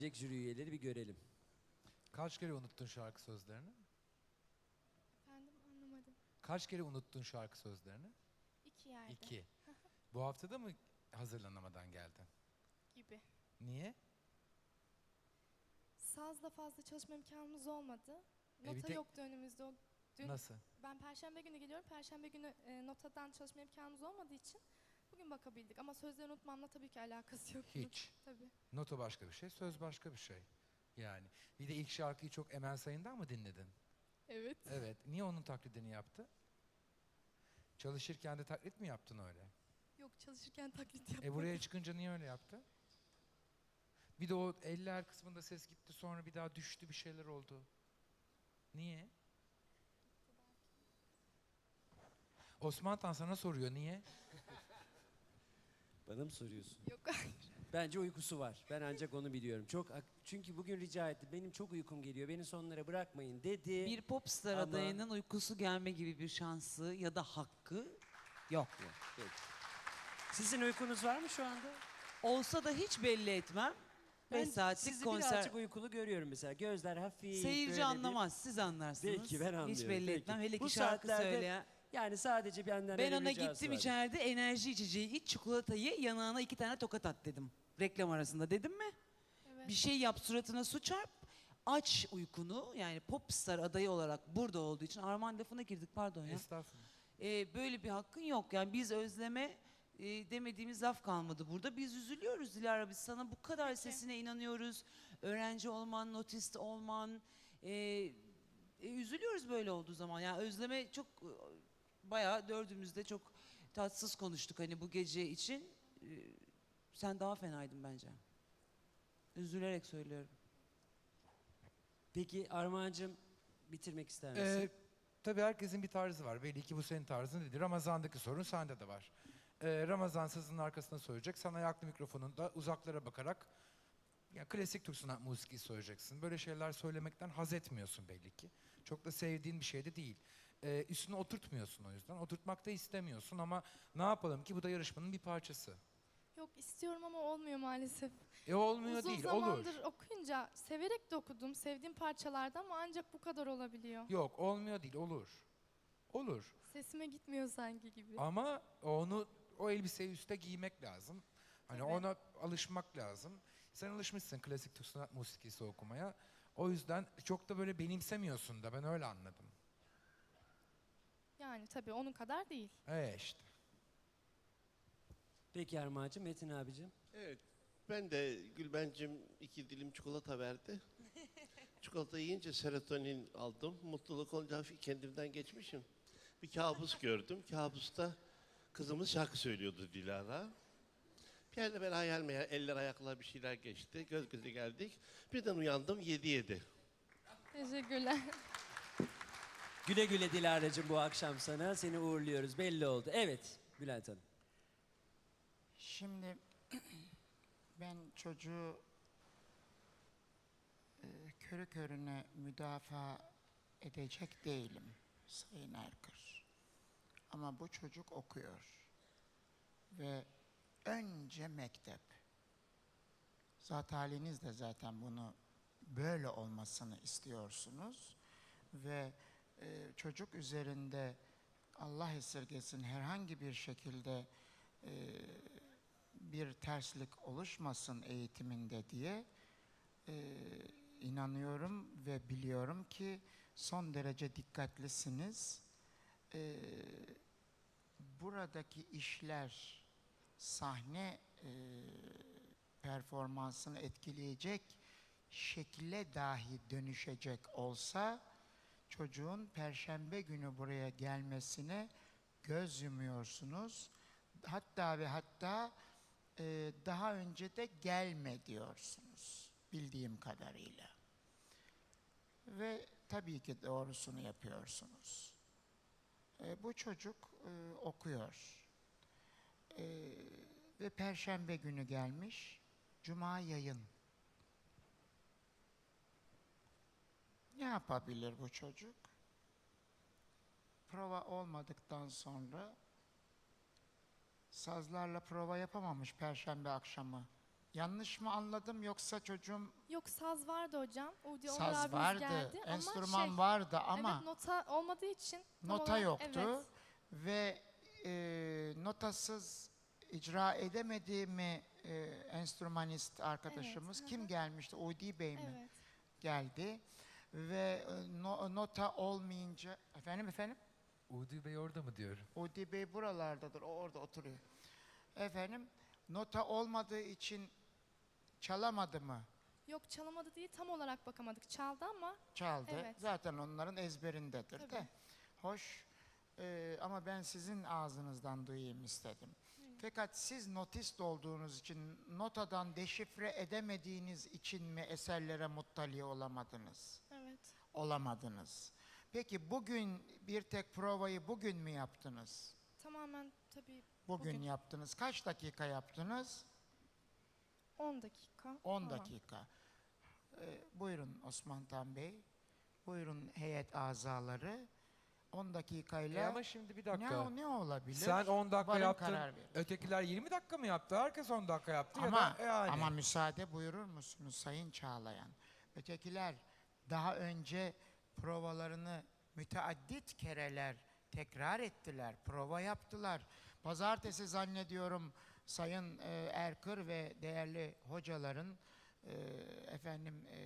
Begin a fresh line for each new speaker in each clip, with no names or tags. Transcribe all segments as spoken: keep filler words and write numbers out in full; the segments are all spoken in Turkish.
Jüri üyeleri bir görelim.
Kaç kere unuttun şarkı sözlerini?
Efendim anlamadım.
Kaç kere unuttun şarkı sözlerini?
İki yerde.
İki. Bu hafta da mı hazırlanamadan geldin?
Gibi.
Niye?
Sazla fazla çalışma imkanımız olmadı.
E, bir
Nota
tek-
yoktu önümüzde. O dün
Nasıl?
Ben Perşembe günü geliyorum. Perşembe günü e, notadan çalışma imkanımız olmadığı için bugün bakabildik. Ama sözleri unutmamla tabii ki alakası yok.
Hiç.
Tabii.
Nota başka bir şey, söz başka bir şey. Yani. Bir de ilk şarkıyı çok Emel Sayın'dan mı dinledin?
Evet.
Evet. Niye onun taklidini yaptı? Çalışırken de taklit mi yaptın öyle?
Yok, çalışırken taklit yapmadım.
E buraya çıkınca niye öyle yaptı? Bir de o eller kısmında ses gitti, sonra bir daha düştü, bir şeyler oldu. Niye? Osman Tan sana soruyor, niye?
Bana mı soruyorsun?
Yok, hayır.
Bence uykusu var. Ben ancak onu biliyorum. Çok çünkü bugün rica etti. Benim çok uykum geliyor. Beni sonlara bırakmayın dedi.
Bir popstar
Ama-
adayının uykusu gelme gibi bir şansı ya da hakkı yok.
Peki. Sizin uykunuz var mı şu anda?
Olsa da hiç belli etmem.
Ben
beş saatlik
sizi
konser.
birazcık uykulu görüyorum mesela. Gözler hafif.
Seyirci
böyle bir-
anlamaz, siz anlarsınız.
Belki ben anlıyorum.
Hiç belli
Peki.
etmem. Hele ki
Bu
şarkı
saatlerde
söyleyen.
Yani sadece benden
Ben
öyle
ona
bir ricası
gittim
var.
içeride enerji içeceği iç, çikolatayı yanağına iki tane tokat at dedim. Reklam arasında dedim mi?
Evet.
Bir şey yap, suratına su çarp. Aç uykunu, yani popstar adayı olarak burada olduğu için Armağan lafına girdik, pardon ya.
Estağfurullah.
Ee, böyle bir hakkın yok. Yani biz Özlem'e e, demediğimiz laf kalmadı burada. Biz üzülüyoruz Dilara. Biz sana bu kadar sesine inanıyoruz. Öğrenci olman, notist olman. e, e, üzülüyoruz böyle olduğu zaman. Yani Özlem'e çok e, bayağı dördümüzde çok tatsız konuştuk hani bu gece için. E, sen daha fenaydın bence. Üzülerek söylüyorum.
Peki Armağan'cığım bitirmek ister misin?
Ee, tabii herkesin bir tarzı var. Belli ki bu senin tarzın değil. Ramazan'daki sorun sende de var. Ee, Ramazan sazının arkasına söyleyecek. Sana ayaklı mikrofonunda uzaklara bakarak ya klasik Türk sanat müziği söyleyeceksin. Böyle şeyler söylemekten haz etmiyorsun belli ki. Çok da sevdiğin bir şey de değil. Ee, üstüne oturtmuyorsun o yüzden. Oturtmak da istemiyorsun ama ne yapalım ki bu da yarışmanın bir parçası.
Yok, istiyorum ama olmuyor maalesef.
E olmuyor
Uzun
değil,
zamandır
olur.
okuyunca severek de okudum. Sevdiğim parçalarda ama ancak bu kadar olabiliyor.
Yok, olmuyor değil, olur. Olur.
Sesime gitmiyor sanki gibi.
Ama onu o elbiseyi üste giymek lazım. Hani
Tabii.
ona alışmak lazım. Sen alışmışsın klasik Türk sanat musikisi okumaya. O yüzden çok da böyle benimsemiyorsun da ben öyle anladım.
Yani tabii onun kadar değil.
E işte.
Peki Armağan'cığım, Metin abicim.
Evet. Ben de Gülbencim iki dilim çikolata verdi. Çikolata yiyince serotonin aldım. Mutluluk olunca hafif kendimden geçmişim. Bir kabus gördüm. Kabusta kızımız şarkı söylüyordu Dilara. Bir yerde ben hayal meyal, eller ayaklar bir şeyler geçti. Göz göze geldik. Birden uyandım yedi yedi.
Teşekkürler.
Güle güle Dilara'cığım bu akşam sana. Seni uğurluyoruz. Belli oldu. Evet Bülent Hanım.
Şimdi ben çocuğu e, körü körüne müdafaa edecek değilim Sayın Erkır. Ama bu çocuk okuyor. Ve önce mektep. Zat haliniz de zaten bunu böyle olmasını istiyorsunuz. Ve e, çocuk üzerinde Allah esirgesin herhangi bir şekilde e, bir terslik oluşmasın eğitiminde diye e, inanıyorum ve biliyorum ki son derece dikkatlisiniz. E, buradaki işler sahne e, performansını etkileyecek şekle dahi dönüşecek olsa çocuğun perşembe günü buraya gelmesine göz yumuyorsunuz. Hatta ve hatta e, daha önce de gelme diyorsunuz bildiğim kadarıyla. Ve tabii ki doğrusunu yapıyorsunuz. E, bu çocuk e, okuyor. E, ve perşembe günü gelmiş. Cuma yayın. Ne yapabilir bu çocuk? Prova olmadıktan sonra sazlarla prova yapamamış perşembe akşamı Yanlış mı anladım yoksa çocuğum
Yok, saz vardı hocam. Udi Onur
saz
abimiz
vardı,
geldi
enstrüman
ama şey,
vardı ama
evet, nota olmadığı için tam
nota
olarak-
yoktu
Evet.
ve e, notasız icra edemedi mi e, enstrümanist arkadaşımız?
Evet, hı
Kim
hı.
gelmişti? Udi Bey mi?
Evet.
Geldi ve e, no- nota olmayınca efendim efendim
Udi Bey orada mı diyorum?
Udi Bey buralardadır. O orada oturuyor. Efendim nota olmadığı için çalamadı mı?
Yok, çalamadı değil, tam olarak bakamadık. Çaldı ama
Çaldı.
Evet.
Zaten onların ezberindedir de.
Tabii.
Hoş. Ee, ama ben sizin ağzınızdan duyayım istedim. Fakat siz notist olduğunuz için, notadan deşifre edemediğiniz için mi eserlere muttali olamadınız?
evet.
Olamadınız. Peki bugün bir tek provayı bugün mü yaptınız?
Tamamen tabii
Bugün,
Bugün.
yaptınız. Kaç dakika yaptınız?
on dakika.
on
falan.
dakika. Ee, buyurun Osman Tan Bey. Buyurun heyet azaları. on dakikayla
E ama şimdi bir
ne,
dakika.
o- ne olabilir?
Sen on dakika
Varın
yaptın.
karar verin.
Ötekiler yirmi dakika mı yaptı? Herkes on dakika yaptı
Ama,
ya da yani.
ama müsaade buyurur musunuz Sayın Çağlayan? Ötekiler daha önce provalarını müteaddit kereler tekrar ettiler, prova yaptılar. Pazartesi zannediyorum Sayın e, Erkır ve değerli hocaların e, efendim e,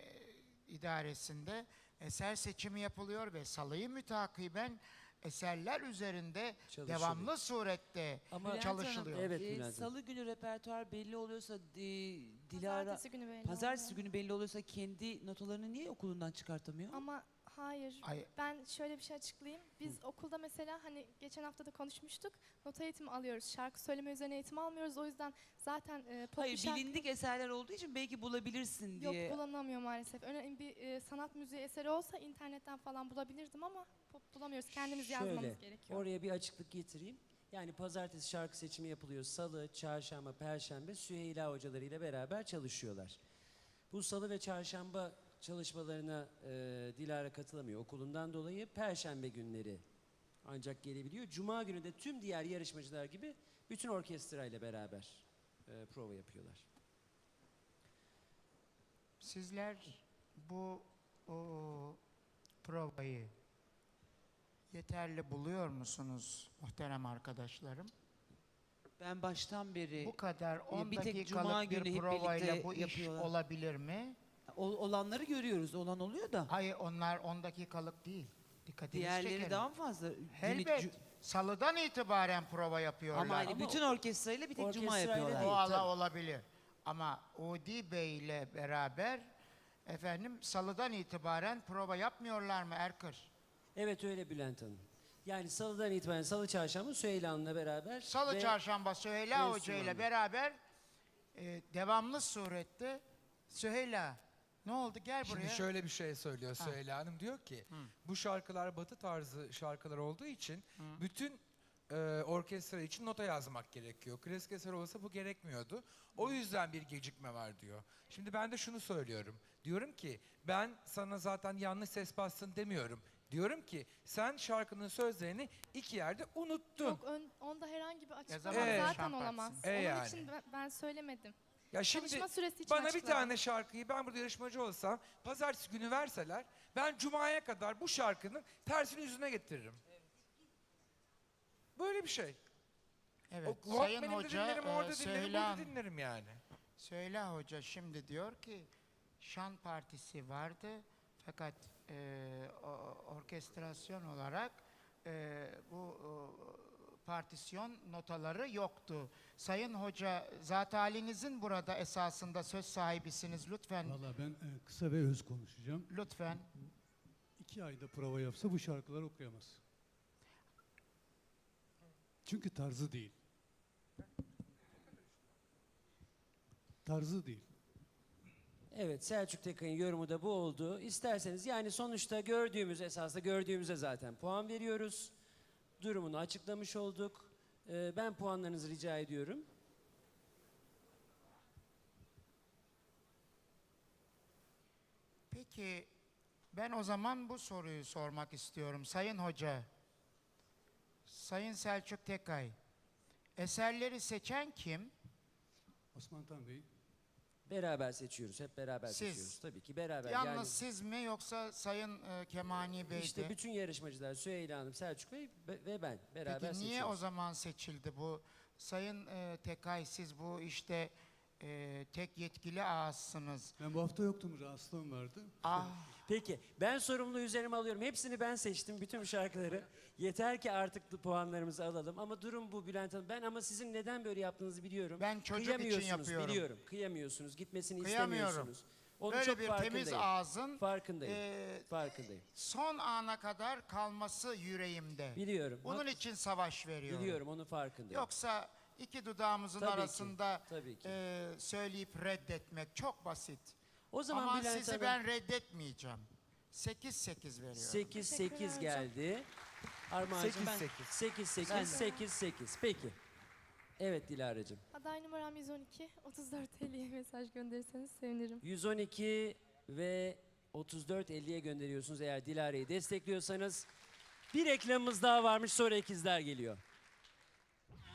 idaresinde eser seçimi yapılıyor ve salıyı mütakiben eserler üzerinde
Çalışılıyor.
devamlı surette
Ama
Bülent
çalışılıyor.
Evet,
Ee,
Bülent Hanım.
Salı günü repertuar belli oluyorsa e, Dilara
Pazartesi günü belli
Pazartesi
oluyor.
günü belli oluyorsa kendi notalarını niye okulundan çıkartamıyor?
Ama hayır.
Ay,
Ben şöyle bir şey açıklayayım. Biz okulda mesela hani geçen hafta da konuşmuştuk. Nota eğitimi alıyoruz. Şarkı söyleme üzerine eğitim almıyoruz. O yüzden zaten e, pop bir
Hayır,
şarkı-
bilindik eserler olduğu için belki bulabilirsin
Yok,
diye.
bulamıyor maalesef. Önemli bir e, sanat müziği eseri olsa internetten falan bulabilirdim ama pop bulamıyoruz. Kendimiz
Şöyle,
yazmamız gerekiyor.
Oraya bir açıklık getireyim. Yani pazartesi şarkı seçimi yapılıyor. Salı, çarşamba, perşembe Süheyla hocalarıyla beraber çalışıyorlar. Bu salı ve çarşamba çalışmalarına e, Dilara katılamıyor okulundan dolayı. Perşembe günleri ancak gelebiliyor. Cuma günü de tüm diğer yarışmacılar gibi bütün orkestrayla beraber e, prova yapıyorlar.
sizler bu o, provayı yeterli buluyor musunuz muhterem arkadaşlarım?
Ben baştan beri
Bu kadar on
bir tek Cuma
dakikalık
günü
bir
hep
provayla
birlikte
bu iş
yapıyorlar.
olabilir mi?
ol- olanları görüyoruz. Olan oluyor da.
Hayır, onlar on dakikalık değil. Dikkatinizi
Diğerleri
çekerim.
daha mı fazla? Günlük
Elbet.
cu-
Salıdan itibaren prova yapıyorlar.
Ama hani
Ama
bütün orkestrayla bir tek Cuma
orkestrayla
yapıyorlar.
değil.
o ala
tabii.
olabilir. Ama Udi Bey ile beraber efendim salıdan itibaren prova yapmıyorlar mı Erkır?
Evet öyle Bülent Hanım. Yani salıdan itibaren salı çarşamba Süheyla Hanım'la beraber
Salı,
ve
çarşamba Süheyla
ve
Hoca ile
Süleyman.
beraber e, devamlı surette Süheyla ne oldu gel buraya.
Şimdi şöyle bir şey söylüyor
Ha.
Süheyla Hanım. Diyor ki bu şarkılar batı tarzı şarkılar olduğu için bütün e, orkestra için nota yazmak gerekiyor. Klasik eser olsa bu gerekmiyordu. O yüzden bir gecikme var diyor. Şimdi ben de şunu söylüyorum. Diyorum ki ben sana zaten yanlış ses bastın demiyorum. Diyorum ki sen şarkının sözlerini iki yerde unuttun.
Yok, ön- onda herhangi bir açıklama
Ee,
zaten
şan
olamaz.
partisini.
E
Onun
yani.
için ben, ben söylemedim.
Ya şimdi
Çalışma süresi için
bana bir
açıkladım.
tane şarkıyı ben burada yarışmacı olsam pazartesi günü verseler ben cumaya kadar bu şarkının tersini yüzüne getiririm.
Böyle bir şey. Evet.
O
Sayın
Walkman'imde
Hoca,
dinlerim,
e,
orada dinlerim,
Süheyla,
burada dinlerim yani.
Süheyla Hoca şimdi diyor ki şan partisi vardı fakat e, o- orkestrasyon olarak e, bu o, partisyon notaları yoktu. Sayın Hoca zat halinizin burada esasında söz sahibisiniz lütfen.
Valla ben e, kısa ve öz konuşacağım.
Lütfen.
İki ayda prova yapsa bu şarkıları okuyamaz. Çünkü tarzı değil. Tarzı değil.
Evet, Selçuk Tekay'ın yorumu da bu oldu. İsterseniz yani sonuçta gördüğümüz esasında gördüğümüze zaten puan veriyoruz. Durumunu açıklamış olduk. Ee, ben puanlarınızı rica ediyorum.
Peki ben o zaman bu soruyu sormak istiyorum. Sayın Hoca, Sayın Selçuk Tekay, eserleri seçen kim?
Osman Tan Bey,
Beraber seçiyoruz. Hep beraber
Siz.
seçiyoruz. Tabii ki beraber.
Yalnız
yani
siz mi yoksa Sayın e, Kemani Bey
işte
de?
bütün yarışmacılar Süheyla Hanım, Selçuk Bey ve ve ben beraber
Peki niye
seçiyoruz.
o zaman seçildi bu? Sayın e, Tekay, siz bu işte e, tek yetkili ağızsınız.
Ben bu hafta yoktum, rahatsızlığım vardı.
Ah,
Peki ben sorumluluğu üzerime alıyorum. Hepsini ben seçtim, bütün şarkıları. Yeter ki artık bu puanlarımızı alalım. Ama durum bu Bülent Hanım. Ben ama sizin neden böyle yaptığınızı biliyorum.
Ben çocuk için
Kıyamıyorsunuz,
yapıyorum.
Biliyorum. Kıyamıyorsunuz. Gitmesini
Kıyamıyorum.
istemiyorsunuz. Onu
böyle
çok
bir
farkındayım.
temiz ağzın
Farkındayım.
e,
Farkındayım.
son ana kadar kalması yüreğimde.
Biliyorum.
Bunun
Hak-
için savaş veriyorum.
Biliyorum, onun farkındayım.
Yoksa iki dudağımızın
Tabii ki,
arasında
tabii ki.
e, söyleyip reddetmek çok basit.
O zaman
Ama
Bülent
sizi
Hanım
ben reddetmeyeceğim. sekiz sekiz veriyorum.
sekiz sekiz
Teşekkürler hocam.
geldi. Armağan'cığım
Sekiz,
ben
sekiz.
sekiz
Ben
sekiz
de.
sekiz sekiz. Peki. Evet Dilara'cığım.
Aday numaram yüz on iki. otuz dört elliye mesaj gönderirseniz sevinirim.
yüz on iki ve otuz dört elliye gönderiyorsunuz eğer Dilara'yı destekliyorsanız. Bir reklamımız daha varmış, sonra ikizler geliyor.